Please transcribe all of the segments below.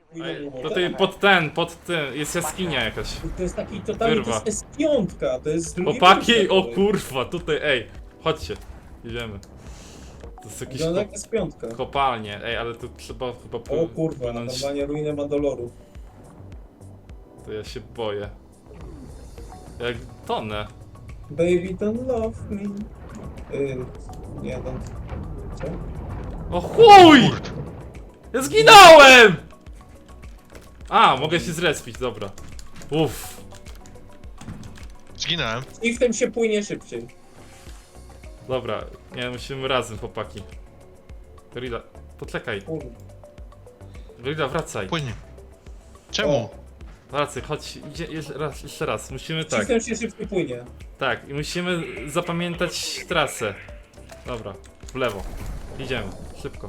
Ej, Tutaj pod tym, jest jaskinia jakaś. To jest taki totalnie, Wyrwa. to jest S5, to jest drugi Chłopaki, poziom. o kurwa, tutaj, ej, chodźcie, idziemy. To jest jakiś Wygląda jak S5. kopalnie, ej, ale tu trzeba chyba O kurwa, płynąć. normalnie ruinę Mandaloru. To ja się boję. Jak tonę. Baby don't love me. Nie, don't. Co? O chuj! Ja zginąłem! A, mogę się zrespić, dobra. Uff. Zginąłem. I w tym się płynie szybciej. Dobra, nie, musimy razem, chłopaki. Gorilla, poczekaj. Kurwa. Gorilla, wracaj. Płynie. Czemu? Wracaj, chodź, idzie, jeszcze raz. Musimy tak, System się szybciej płynie. tak, i musimy zapamiętać trasę. Dobra, w lewo. Idziemy, szybko.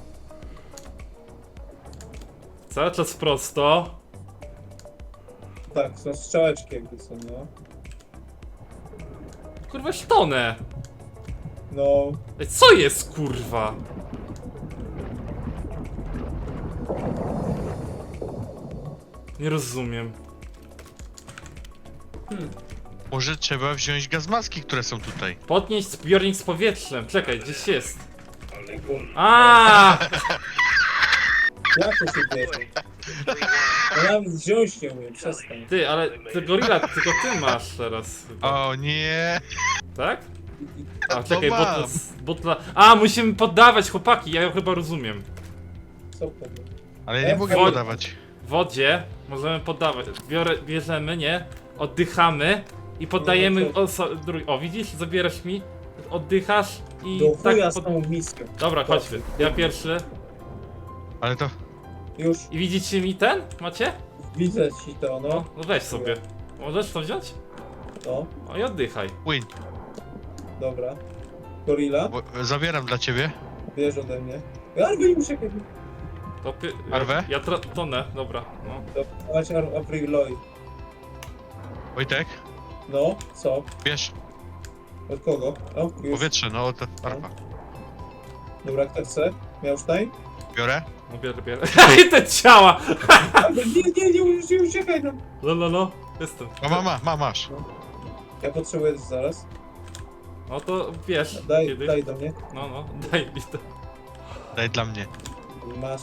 Cały czas prosto. Tak, są strzałeczki jakby są, no. Kurwa, sztonę. No, Ej, co jest, kurwa? Nie rozumiem. Może trzeba wziąć gazmaski, które są tutaj. Podnieść zbiornik z powietrzem. Czekaj, gdzieś jest. ale kurwa. A! Jak to się dzieje? Ja nawet wziąć nie umiem, przestań. Ty, ale ty gorilla, tylko ty masz teraz. Chyba. O nie! Tak? A To czekaj, mam. butla. A, musimy poddawać, chłopaki, ja chyba rozumiem. Co powiem? Ale ja nie mogę Wod- podawać. W wodzie możemy poddawać. Bierzemy, nie? Oddychamy i poddajemy. No to- O, widzisz? Zabierasz mi, oddychasz i Do chuja z pod... tą miską. Dobra, chodźmy. Ja pierwszy. Ale to... Już I widzicie mi ten? Macie? widzę ci to, No, no. no weź sobie. Możesz to wziąć? No, O i oddychaj. Płyń. dobra. Gorilla, Zabieram dla ciebie. bierz ode mnie. Ale wy muszę kiedyś. To Arwę? Ja tonę, dobra. No. Dawać Apriloid. Wojtek, No, co? bierz Od kogo? O, już. powietrze, no to arpa. Dobra, kto chce? Miałsztajn? Biorę. No bierę. I te ciała! Nie uciekaj no. No, jestem. Masz. Ja potrzebuję zaraz. No to wiesz. Daj, kiedy. daj do mnie. No, daj mi to. Daj dla mnie. Masz.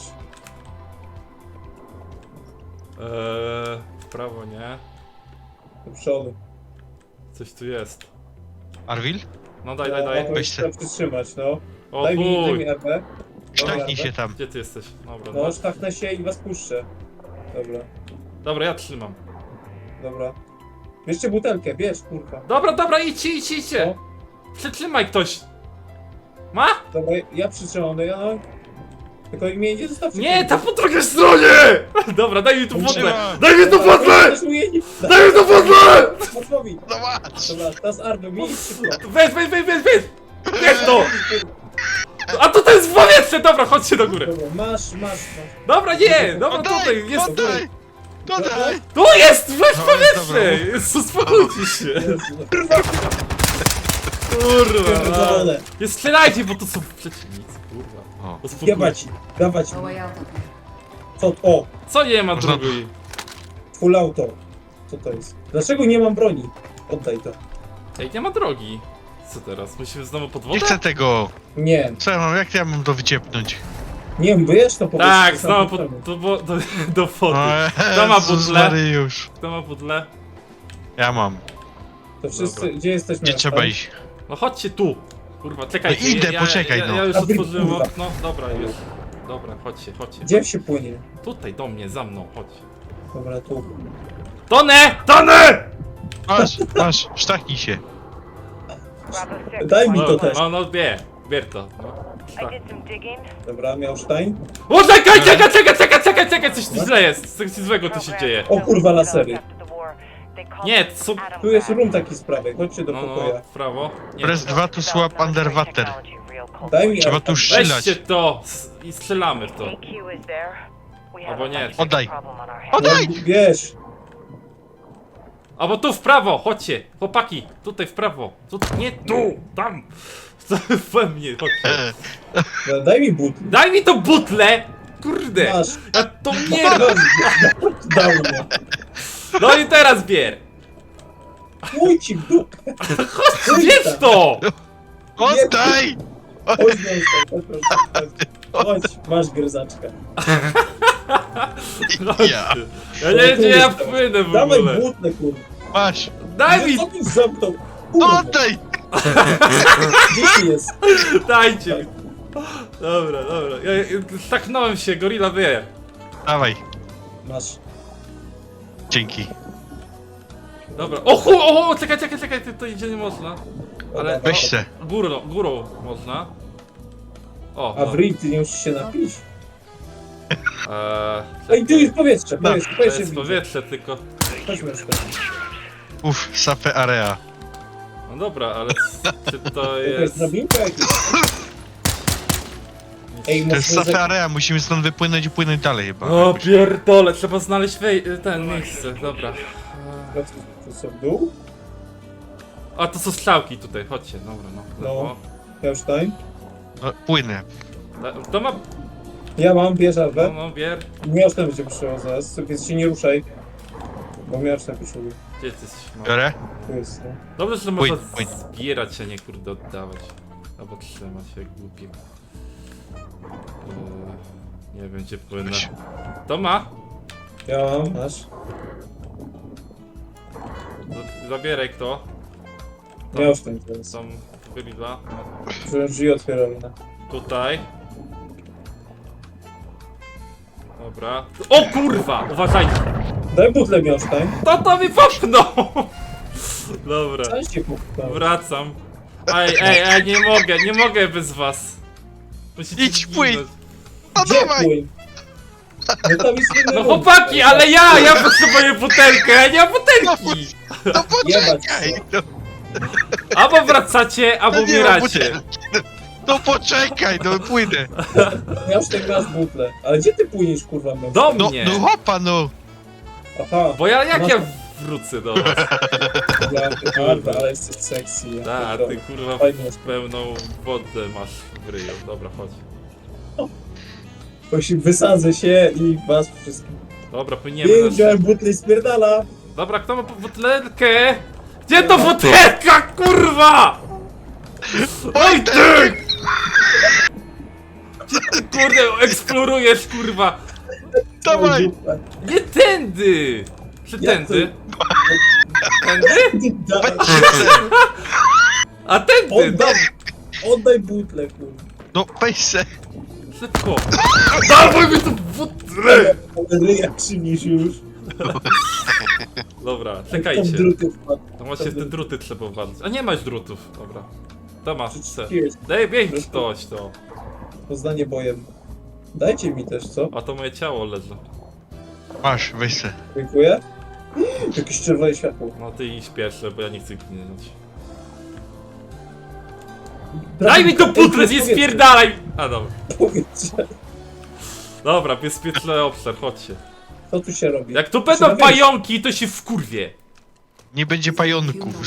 W prawo nie. Do przodu. Coś tu jest. Arwil? No daj. No, Weź trzeba przytrzymać, no. O Daj mi chuj! RP. Sztachnij się tam. Gdzie ty jesteś? Dobra, No, sztachnę się i was puszczę. Dobra, Dobra, ja trzymam. dobra. Bierzcie butelkę, bierz, kurwa. Dobra, idźcie! No, Przytrzymaj ktoś! Ma? dobra, ja przytrzymam, no ja... Tylko mnie nie zostawcie. Nie, ta po drugiej stronie! Dobra, daj mi tu wodę! Trzymam. Daj mi tu wodę! Daj mi tu wodę! Matwowi. No masz! Dobra, teraz Arno, mi szybko. Weź! Weź to! A to jest w powietrze! Dobra, chodźcie do góry. Dobra, masz. Dobra, nie! Dobra, Oddaj! tutaj jest... Oddaj! Dodaj! Tu jest! Weź No, powietrze! dobra. Jezu, uspokójcie się! Jezu. Kurwa! Pierdolone. Nie strzelajcie, bo to są przeciwnicy, kurwa. O. Uspokójcie. Jebać, dawać. No way out up here. Co? O, Co nie ma Można- drugiej? full auto. Co to jest? Dlaczego nie mam broni? Oddaj to. Ej, nie ma drogi. Co teraz? Musimy znowu pod Nie wodę? chcę tego! Nie, Co ja mam, jak ja mam to wyciepnąć? nie wiesz to po prostu. Tak, to znowu sam do wody. O, Kto ma Jezus butlę? Mariusz. Kto ma pudle? Ja mam. To wszyscy, Dobra. gdzie jesteśmy? Gdzie trzeba iść? No chodźcie tu. Kurwa, czekajcie. No idę, poczekaj, ja, no. Ja już A wy, otworzyłem kurwa. okno. Dobra, już. Dobra, chodźcie. Gdzie się płynie? Tutaj do mnie, za mną, chodź. Dobra, tu. Tonę! Masz, sztachnij się. Daj mi to też. No, bier to. No. I did some digging. Dobra, Miałsztajn. O, czekaj, coś tu źle jest. Coś złego tu się dzieje. O kurwa, lasery. Nie, co... Tu jest room taki z prawej, chodźcie do No, pokoja. w prawo. Nie, Press 2 to swap underwater. Daj mi Trzeba RP. tu strzelać. weźcie to i strzelamy w to. Albo nie. Oddaj. No, Oddaj! wiesz. Albo tu w prawo, chodźcie, chłopaki, tutaj w prawo. Nie tu, tam. We mnie, chodźcie. Daj mi but. Daj mi to butlę! kurde! Masz. Ja to bieram! Dał mnie. No i teraz bier! Chuj ci w dupę. Zjedz to! Oddaj! Chodź no, chodź, masz gryzaczkę. Ja. Ja nie wiem, gdzie ja wpłynę w Dawaj ogóle. butlę, kurwa. Masz! Daj mi, Co mi zamknął? Kurwa, Oddaj! gdzie ci jest? dajcie mi. Dobra. Ja staknąłem się, gorilla wie. Dawaj. Masz. Dzięki. Dobra. O, czekaj, to idzie nie można. Ale Weź se. górą można. O, A w ryj ty nie musisz się napić. Ej, Ej, tu już powietrze, No, to powietrze jest widzę. powietrze tylko. Chodźmy jeszcze. Uff, safe area. No dobra, ale czy to To jest jest... drabinka jakaś? Ej, To jest musimy safe area, musimy stąd wypłynąć i płynąć dalej chyba. O pierdole, trzeba znaleźć ten miejsce, dobra. To co, w dół? A to są strzałki tutaj, chodźcie, dobra, no. No. Ja już tutaj. No, płynę. To ma... Ja mam, bierz Alwę. No, bier. Miasztem będzie przyszło zaraz, więc się nie ruszaj. Bo miasztem przyszło. Gdzie ty jesteś? No. Biorę? Tu jest, no. Dobrze, że można Płyń. zbierać, a nie kurde oddawać. Albo trzymać się jak głupie. Nie wiem gdzie płynę. To ma? Ja mam, masz. Zabieraj kto? Ja już ten teraz. Są gorilla. Że drzwi otwierali, no. Tutaj. Dobra. O kurwa! Uważajcie! Daj butlę Miasztań. To mi popchnął! Dobra. Cały się popchnął. Wracam. Ej, nie mogę bez was. Musicie Idź, płyń. zginąć. No Gdzie dawaj! płyń? No tam jest jeden No ruch. chłopaki, ale ja potrzebuję butelkę, ja nie mam butelki! No poczekaj! No, Albo wracacie, albo no nie ma umieracie. butelki. No poczekaj, no płynę. Miasztań masz butlę. Ale gdzie ty płyniesz, kurwa, Miasztań? Do No, mnie! no hopa, no. Aha. Bo jak Masz- ja wrócę do was? Ja, Alwa, ale jesteś sexy. Ja Da, pierdolę. ty kurwa Fajnie jest. pełną wodę masz w ryju. Dobra, chodź. Właśnie wysadzę się i was wszystkich. Dobra, płyniemy. Nie wziąłem butli i spierdala. Dobra, kto ma butelkę? Gdzie to butelka, kurwa? Oj ty! Gdzie ty kurde eksplorujesz, kurwa? Dawaj! Nie tędy! Czy Jak tędy? Tędy? Daj, A tędy! oddaj, oddaj butlę, kurwa. No weź se. Szybko! Dawaj mi tu butlę! Ryja krzywisz już. Dobra, Tam czekajcie. druty wpadł. No właśnie w te druty trzeba walczyć. A nie masz drutów, dobra. To masz, chcę. Cheers. Daj bieg ktoś to. Poznanie bojem. Dajcie mi też, co? A to moje ciało leży. Masz, weź se. Dziękuję. Jakieś czerwone światło. No ty idź pierwsze, bo ja nie chcę ginąć. Daj mi to butlę, nie spierdalaj! A dobra. Powietrze. Dobra, bezpieczny obszar, chodźcie. Co tu się robi? Jak tu będą pająki, to się wkurwie. Nie będzie pająków.